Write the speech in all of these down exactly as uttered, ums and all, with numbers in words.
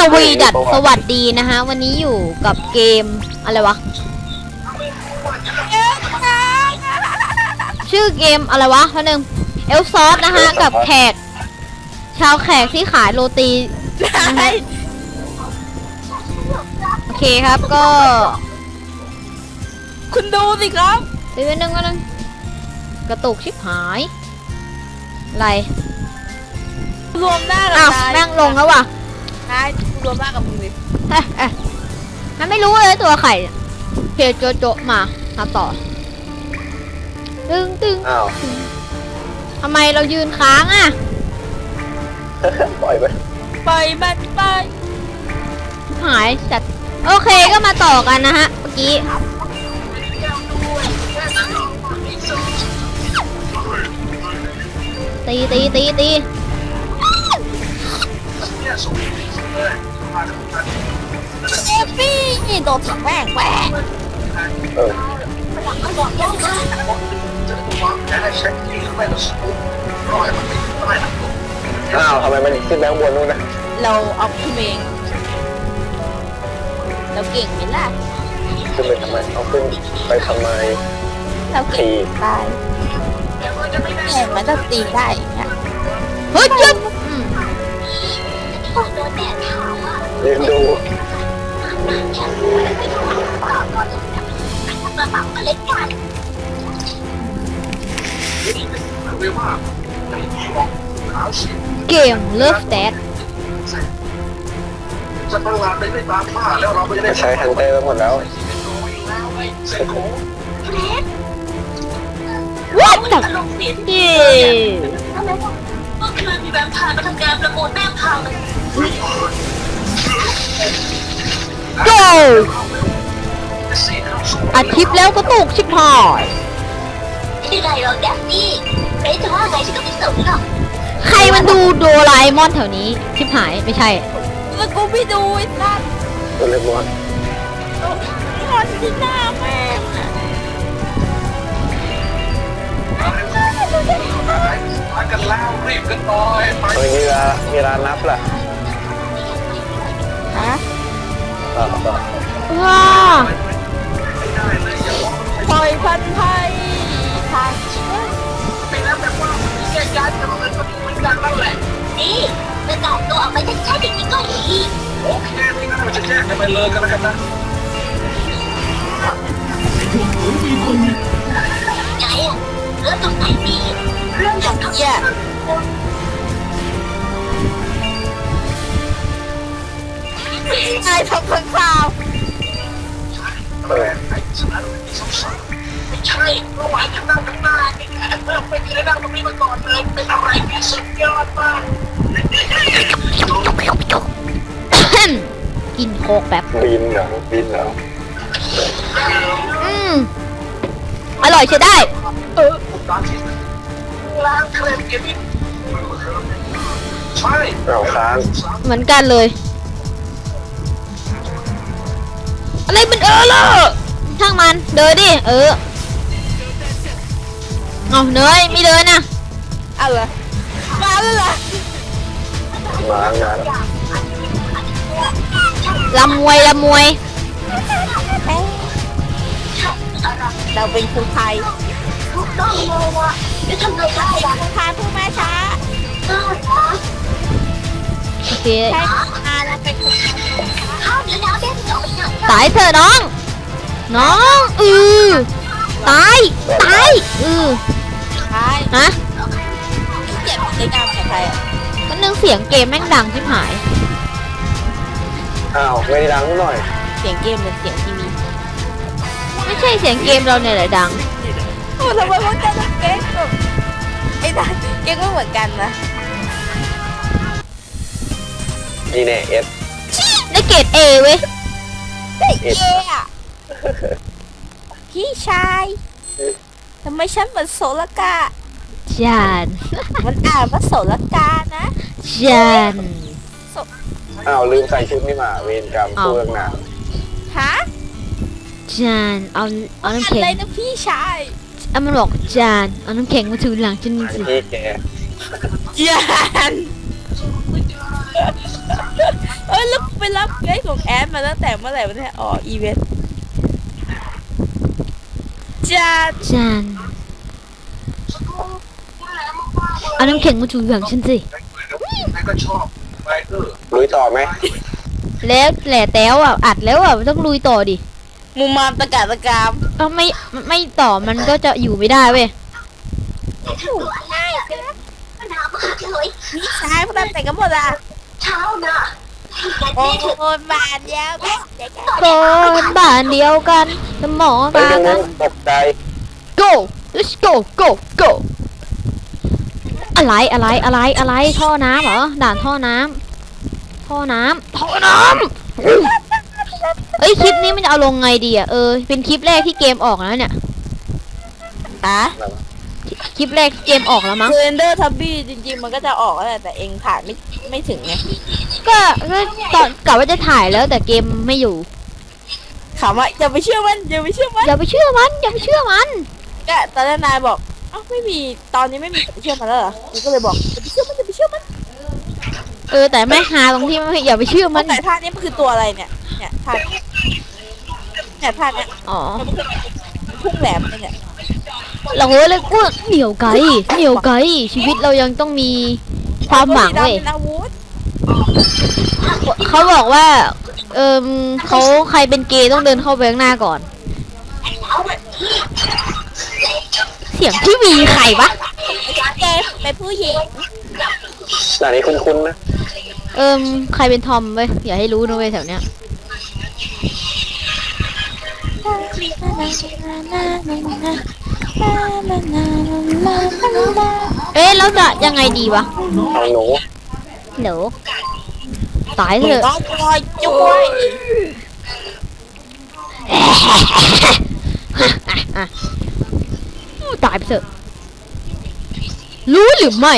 วีดัดสวัสดีนะฮะวันนี้อยู่กับเกมอะไรวะชื่อเกมอะไรวะท่านึงเอลซอสนะฮะกับแขกชาวแขกที่ขายโรตีนะฮะโอเคครับก็คุณดูสิครับไปเว้นนึงก็นึงกระตุกชิบหายอะไรรวมหน้ากับอ้าวตายแม่งลงแล้วว่ะตายรวมหน้ากับมึงดิเอ๊ะเอ๊ะมันไม่รู้เลยตัวไข่เพจโจโจมามาต่อตึงตึงอ้าวทำไมเรายืนค้างอ่ะปล่อยไปปล่อยมันไปหายจัดโอเคก็มาต่อกันนะฮะเมื่อกี้ตีตีตีตีเอฟฟี่โดนถังแหวกแหวกเอออ้าวทำไมมันขึ้นแบงค์บนนู่นนะเราเอาขึ้นเองเราเก่งไหมล่ะขึ้นไปทำไมเอาขึ้นไปทำไมเราเก่งตายแต่มันจะตีได้อย่างเงี้ยเฮ้ยจุ๊บอืมยืนดูเกมเลิฟแดดจะประหลาดไปไม่ตามป้าแล้วเราไม่ได้ใช้ฮันเตอร์ไปหมดแล้ววัดจับเย่เมื่อคืนมีแวมไพร์มาทำการประมูลแม่งพังโจอัดคลิปแล้วก็ตุกชิบหายไม่ได้หรอกแดฟนี่เอ๊ะจะว่าไงฉันก็ไม่สนหรอกใครมันดูโดราเอมอนแถวนี้ชิบหายไม่ใช่แล้วกูไม่ดูไอ้สัสตัวเล็กมอนนอนที่หน้าแม่งอะมากันแล้วรีบกันหน่อยไปตอนนี้เวลาเวลานับล่ะฮะอ่าต่อว้าปล่อยพันไทยทางไปแล้วแต่ว่าแยกย้ายกันเลยก็เหมือนกันนั่นแหละนี่จะแตกตัวออกไปจากชาติอย่างนี้ก็ดีโอเคไม่งั้นเราจะแยกกันไปเลยกันแล้วกันนะไงอะเรื่องตรงไหนมีเรื่องอย่างเขาเหี้ยนายทำข้างข่าวเออไอ้ฉันมีสงสัยไม่ใช่เมื่อวานฉันนั่งข้างหน้านี่แหละไม่เคยนั่งตรงนี้มาก่อนเลยเป็นอะไรที่สุดยอดมากกินโคกแบบบินเหรอบินเหรออืมอร่อยใช้ได้เออร้านที่ร้านทะเลเก็บใช่เอาค้างเหมือนกันเลย อะไรมันเออเลอช่างมันเดินดิเออเอาเนยไม่เดินนะเอาเหรอมาแล้วเหรอมางานลำมวยลำมวยเอ๊ะเราเป็นคนไทยถูกต้องเลยว่ะจะทำไงได้ล่ะคนไทยผู้แม่ช้าเออนะโอเคใช่อาเราเป็นคนไทยข้ามแล้วนะแม่จะเอาไปไหนตายเถอะน้อง น้องอือตายตายอือใช่ฮะเกลียดในการของไทยอ่ะก็นึงเสียงเกมแม่งดังชิบหายอ้าวไม่ได้ดังหน่อยเสียงเกมเป็นเสียงทีวีไม่ใช่เสียงเกมเราเนี่ยแหละดังโอ้ทำไมพวกเจ้าต้องเก๊กแบบไอ้นั่นเก๊กไม่เหมือนกันนะนี่แน่เอสได้เกรดเอเว้ยเฮ้ยเย่อะพี่ชายทำไมฉันเหมือนโสรกาจานมันอ่านว่าโสรกานะจานอ้าวลืมใส่ชุดนี่มาเวรกรรมเพื่อนหนาฮะจานเอาเอาอะน้ำแข็งไรนะพี่ชายอ่ะมันบอกจานเอาน้ำแข็งมาถูหลังฉันอันสิที่แกยันเอ้ยแล้วเป็นรับเกสของแอดมาตั้งแต่เมื่อไหร่วะเนี่ยอ๋ออีเวนต์จัดจานเอาน้ำแข็งมาถูอย่างฉันสินายก็ชอบไปเออลุยต่อไหมแล้วแหล่แต้วอ่ะอัดแล้วอ่ะต้องลุยต่อดิมุมมามตะกาตะกามเอ้าไม่ไม่ต่อมันก็จะอยู่ไม่ได้เว้ยตัวอะไรกันปัญหามากเลยนี่ชายพวกนั้นแต่งกันหมดอ่ะเช้านะให้กันโอ้แม่เถอะโหบาดยาวเด็กคนบ้านเดียวกันสมองไปตาตรงกันั้น นตกใจ go let's go go go อะไรอะไรอะไรอะไรท่อน้ำเหรอด่านท่อน้ำท่อน้ำท่อน้ำเอ้ยคลิปนี้มันจะเอาลงไงดีอ่ะเออเป็นคลิปแรกที่เกมออกแล้วเนี่ยอ่ะคลิปแรกที่เกมออกแล้วมั้งคือเอนเดอร์ทับบี้จริงๆมันก็จะออกแล้วแหละแต่เองถ่ายไม่ไม่ถึงไงก็ก็ตอนกะว่าจะถ่ายแล้วแต่เกมไม่อยู่ถามว่าอย่าไปเชื่อมันอย่าไปเชื่อมันอย่าไปเชื่อมันอย่าไปเชื่อมันก็ตอนแรกนายบอกอ้าวไม่มีตอนนี้ไม่มีอย่าไปเชื่อมันแล้วเหรอกูก็เลยบอกอย่าไปเชื่อมันอย่าไปเชื่อมันเออแต่ไม่ฮาตรงที่ไม่อย่าไปเชื่อมันแต่ท่านี้มันคือตัวอะไรเนี่ยเนี่ยท่าเนี่ยท่าเนี้ยอ๋อพุ่งแหลมเลยเนี่ยเราเลยกูเหนียวไกลเหนียวไกลชีวิตเรายังต้องมีความหวังเว้ยเป็นอาวุธเขาบอกว่า เออเขาใครเป็นเกย์ต้องเดินเข้าไปข้างหน้าก่อน เสียงที่มีใครวะเกมเป็นผู้หญิงด่านนี้คุ้นๆนะเอิมใครเป็นทอมเว้ยอย่าให้รู้นะเว้ยแถวเนี้ยเอ๊ะแล้วจะยังไงดีวะเอาหนูเดี๋ยวตายเถอะต้องคอยจุ้ยตายไปเถอะรู้หรือไม่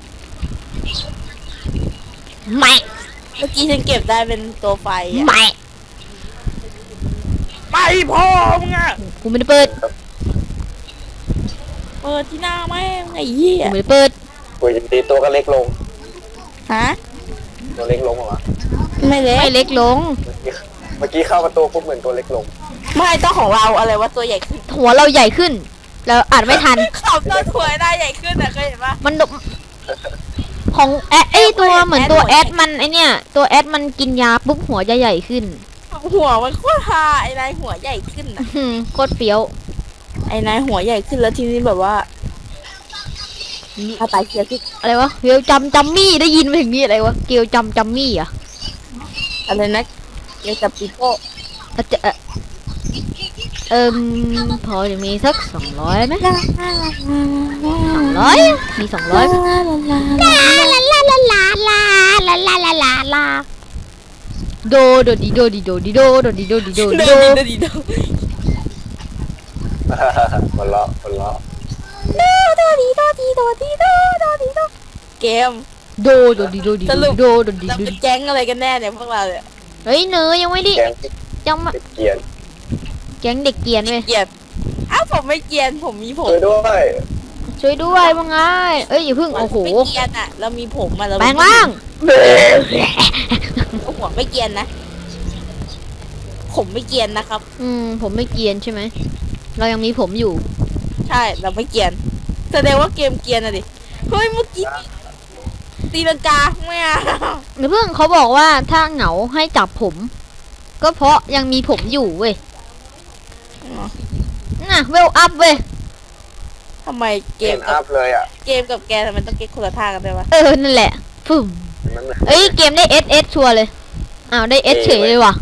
ไม่เมื่อกี้ฉันเก็บได้เป็นตัวไฟอะไม่ไปพ่อมึงอะกูไม่ได้เปิดเปิดที่หน้าแม่งไอ้เหี้ยกูไม่ได้เปิดคุยดีตัวก็เล็กลงฮะตัวเล็กลงเหรอวะไม่เล็ไม่กเล็กลงเมื่อกี้เข้าประตูปุ๊บเหมือนตัวเล็กลงไม่ต้องของเราอะไรว่าตัวใหญ่ขึ้นหัวเราใหญ่ขึ้นเราอ่านไม่ทันขับตัวถวยได้ใหญ่ขึ้นอะเคยเห็นปะมันดกของแอดไอยตัวเหมือนตัวแอดมันไอเนี่ยตัวแอดมันกินยาปุ๊บหัวจะใหญ่ขึ้นหัวมันโคตรฮาไอ้นายหัวใหญ่ขึ้นอะอืมโคตรเฟี้ยวไอ้นายหัวใหญ่ขึ้นแล้วทีนี้แบบว่าอาตายเกียร์ขึ้นอะไรวะเกลจำจำมี่ได้ยินมาถึงนี่อะไรวะเกลจำจำมี่เหรอ่ะอะไรนะเกียร์กับปีโป้อาจจะเอ่อเอิมพอจะมีสักสองร้อยไหมสองร้อยมีสองร้อยลาลาลาลาลาลาลาลาลาลาลาลาโดโดดิโดดิโดดิโดโดดิโดดิโดดิเดิโดนดีเดินดีเดินคนเลาะคนเลาะโดดีโดดีโดดีโดโดดีโดเกมโดโดดิโดดิโดดิโดโดดิเราโดเป็นดิแก๊งอะไรกันแน่เนี่ยพวกเราเนี่ยเฮ้ยเนยยังไม่ได้แกงยังมาติดเกียร์แก๊งเด็กเกรียนเว้ยเกลียดอ้าวผมไม่เกลียนผมมีผมช่วยด้วยช่วยด้วยว่าไงเอ้ยอย่าเพิ่งโอ้โหไม่เกลียนอ่ะเรามีผมอ่ะเราแปลงร่างหัวไม่เกลียนนะผมไม่เกลียนนะครับอืมผมไม่เกรียนใช่ไหมเรายังมีผมอยู่ใช่เราไม่เกลียนแสดงว่าเกมเกลียนอะดิเฮ้ยเมื่อกี้ตีลังกาไม่เอาหรือเพิ่งเขาบอกว่าถ้าเหงาให้จับผม ก็เพราะยังมีผมอยู่เว้ยน่ะเวลอัพเว้ยทำไมเกเกมมกัอับพเลยอ่ะเกมกับแกทำไมต้องเก็ตคนละท่ากันด้วยวะเออนั่นแหละฟึ่มมันเหมือนเอ้ยเกมได้เอสเอสชัวร์เลยอ้าวได้เอสเฉยเลยว่ะ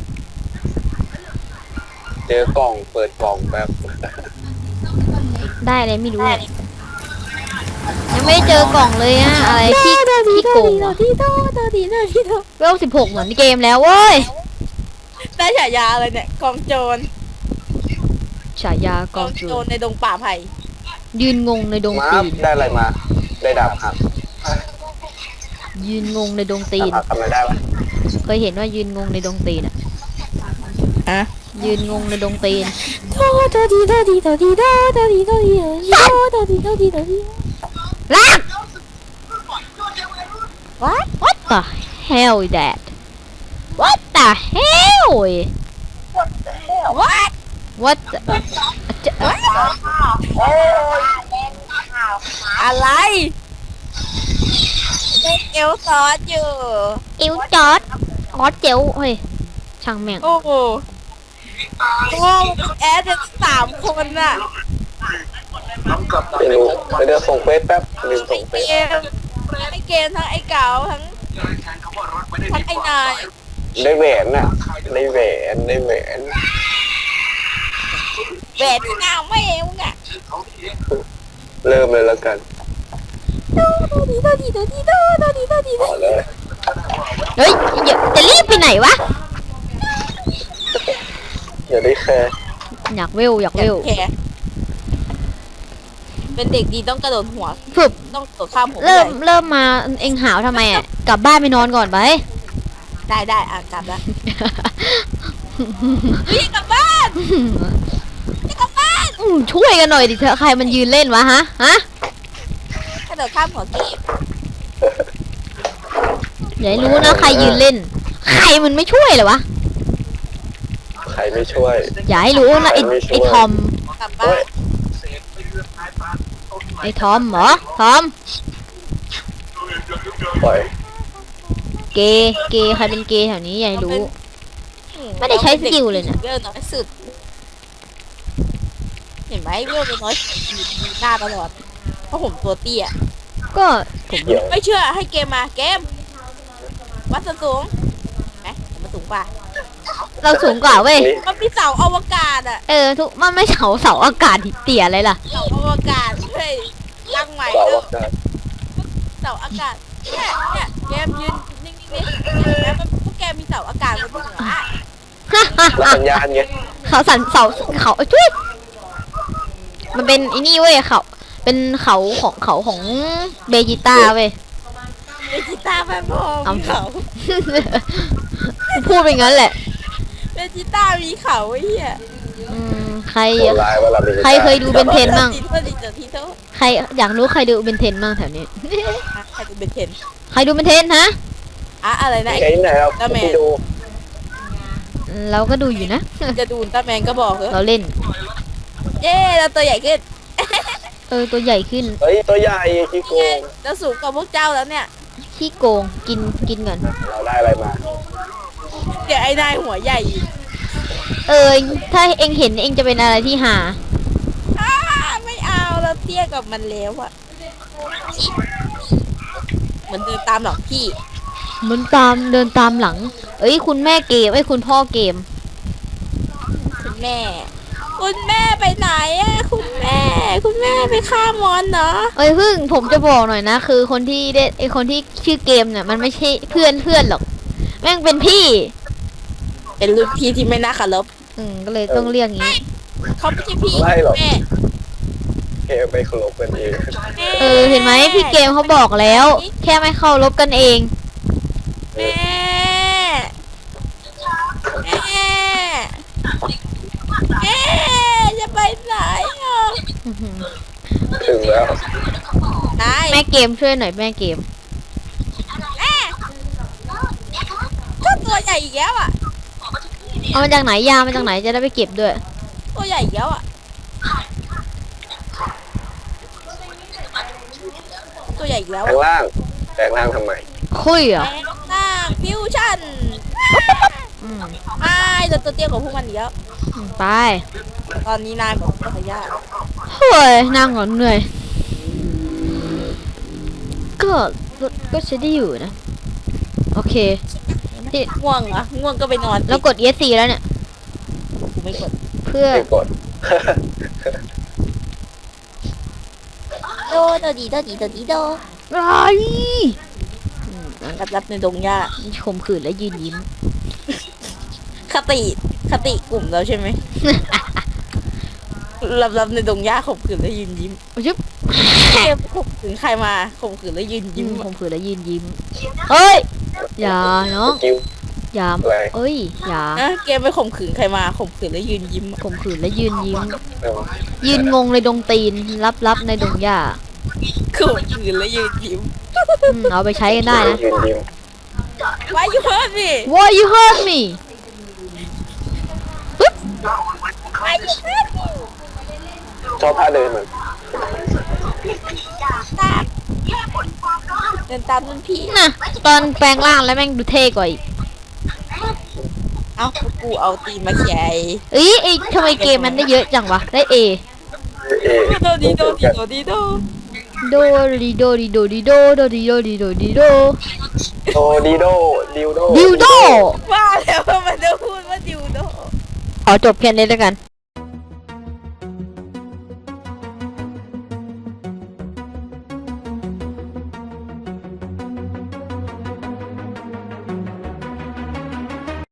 เจอกล่องเปิดกล่องแบบได้อะไรไม่รู้อะยังไม่ได้เจอกล่องเลยอะอะไรที่ที่โกงอะดีโดโดดีโดดีโดเวลสิบหกเหมือนเกมแล้วเว้ยได้ฉายาอะไรเนี่ยกองโจรฉายากกออง งจูโจรในดงป่าไผ่ยืนงงในดงมาตีนได้อะไรมา ได้ดาบหักยืนงงในดงตีดาบนหักทำอะไรได้วะเคยเห็นว่ายืนงงในดงตีนอะอะยืนงงในดงตีนโดโดดีโดดีโดดีโดโดดีโดดีโดโดดีโดดีโดดีลาก what what the hell is that what the hell what what the จะโอ้ยเล่นข่าวอะไรเล่นเอลซอสอยู่อิวจอดออสเจลเฮ้ยช่างแม่งโอ้โหโอ้แอดจะสามคนน่ะไม่รู้เดี๋ยวส่งเฟซแป๊บลืมส่งเฟเกซมไอเกมทั้งไอเก๋าทั้งทั้งไอนายได้แหวนน่ะได้แหวนได้แหวนแหวนที่นางไม่เอวอ่ะเริ่มเลยแล้วกันตัวดีตัวดีตัวดีตัวตัวดีตัวดีต่อเลยเฮ้ยเดี๋ยวจะรีบไปไหนวะอย่าได้แคร์อยากเวลอยากเวลแคร์เป็นเด็กดีต้องกระโดดหัวฝึกต้องกระโดดข้ามหัวเริ่มเริ่มมาเอ็งหาวทำไมอ่ะกลับบ้านไปนอนก่อนไปได้ได้อ่ะกลับแล้วรีบกลับบ้านจะกลับบ้านอืมช่วยกันหน่อยดิเถอะใครมันยืนเล่นวะฮะฮะกระโดดข้ามหัวเกมอย่าให้รู้นะใครยืนเล่น ใครมันไม่ช่วยเลยวะใครไม่ช่วยอย่าให้รู้นะไอ้ไอ้ทอมกลับบ้านไอ้ทอมเหรอทอมปล่อยเกย์เกย์ใครเป็นเกย์แถวนี้อย่าให้รู้ ไม่ได้ใช้สกิลเลยเนี่ยเวลน้อยสุดเห็นไหมเวลน้อยสุดอยู่หน้าตลอดเพราะผมตัวเตี้ยก็ผมเดี๋ยวไม่เชื่อให้เกมมาเกมวัดส่วนสูงไหมผมมาสูงกว่าเราสูงกว่าเว้ยนี่มันมีเสาอวกาศอะเออทุกมันไม่เสาเสาอากาศเตี่ยอะไรล่ะเสาอวกาศเฮ้ยตั้งใหม่ต่อแล้วว่ากันเสาอากาศเนี่ยเนี่ยเกมยืนนิ่งๆนี่เห็นไหมมันพวกแกมีเสาอากาศบนหัวอะแล้วสัญญาณไงเขาสันเสาเขาเอ้ยจุ๊ยมันเป็นไอ้นี่เว้ยเขาเป็นเขาของเขาของเบจิต้าเว้ยเบจิต้าแม่พอเอามีเขาพูดไปงั้นแหละเบจิต้ามีเขาไอ้เหี้ยอืมใครโหดร้ายเวลาเป็นใครเคยดูเบนเทนบ้างโทษทีโทษทีโทษใครอยากรู้ใครดูเบนเทนบ้างแถวนี้อ่ะใครดูเบนเทนใครดูเบนเทนฮะอะอะไรนะไอ้ไหนเราไปดูเราก็ดูอยู่นะจะดูอุลตร้าแมนก็บอกเถเราอะเล่นเย้เราตัวใหญ่ขึ้นเออตัวใหญ่ขึ้นเฮ้ยตัวใหญ่ขี้โกงเราสูงกว่าพวกเจ้าแล้วเนี่ยขี้โกงกินกินก่อนเราได้อะไรมาเดี๋ยวไอ้นายหัวใหญ่อีกเออถ้าเองเห็นเองจะเป็นอะไรที่หาอ้าไม่เอาเราเตี้ยกับมันแล้วอะเหมือนเดินตามหรอกพี่มันตามเดินตามหลัง เอ้ยคุณแม่เกมไอ้ยคุณพ่อเกมคุณแม่ คุณแม่ไปไหนอะคุณแม่ คุณแม่ไปฆ่ามอนเนาะเอ้ยพึ่งผมจะบอกหน่อยนะ คือคนที่ได้ไอคนที่ชื่อเกมเนี่ยมันไม่ใช่เพื่อนเพื่อนหรอกแม่งเป็นพี่เป็นรุ่นพี่ที่ไม่น่าเคารพอืมก็เลยต้องเรียกงี้เขาไม่ใช่พี่ไม่หรอกแม่เกมไปเคารพกันเองแม่เออเห็นไหมพี่เกมเขาบอกแล้ว แค่ไม่เข้ารบกันเองแม่แม่แม่จะไปไหนอ่ะอื้อหือถึงแล้วนายแม่เกมช่วยหน่อยแม่เกมแม่ก็ตัวใหญ่อีกแล้วอ่ะเอามาจากไหนยามาจากไหนจะได้ไปเก็บด้วยตัวใหญ่อีกแล้วอ่ะตัวใหญ่อีกแล้วแปลงร่างแปลงร่างทำไมคุยเหรอแม่น้าฟิวชั่นอืมไม่เราตัวเตี้ยกว่าพวกมันอีกแล้วอืมไปตอนนี้นายบอกว่าขยะเฮ้ยนั่งก่อนเหนื่อยก็ก็ใช้ได้อยู่นะโอเคที่ง่วงเหรอง่วงก็ไปนอนแล้วกด เอส ซี แล้วเนี่ยกูไม่กดเพื่อไม่กดโดโดดีโดดีโดดีโดไรรับรับในดงหญ้าข่มขืนและยืนยิ้มคติคติกลุ่มเราใช่ไหม รับรับในดงหญ้าข่มขืนแล้วยืนยิ้มชึบเกมข่มขืนใครมาข่มขืนแล้วยืนยิ้ยิ้มมข่มขืนและยืนยิ้มเฮ้ยอย่าเนาะสกิลอย่าอะไรเอ้ยอย่านะเกมไปข่มขืนใครมาข่มขืนแล้วยืนยิ้มข่มขืนและยืนยิ้มเออยืนงงในดงตีนรับรับในดงหญ้าข่มขืนแล้วยืนยิ้มอืมเอาไปใช้กันได้นะยืนยิ้มก่อน Why you hurt me Why you hurt me ปึ๊บ Why you hurt me ชอบท่าเดินเหมือนตามแค่ผลความร้อนเดินตามรุ่นพี่น่ะตอนแปลงร่างแล้วแม่งดูเท่กว่าอีกเอ้ากูเอาตีนมาแข่เอ้ยไอ้ทำไมเกมมันได้เยอะจังวะได้ A เอโดดีโดดีโดดีโดโดดีโดดีโดดีโดโดดีโดดีโดดีโดโดดีโดดิวโดดิวโดว่าแล้วว่ามันจะพูดว่าดิวโดขอจบแค่นี้แล้วกัน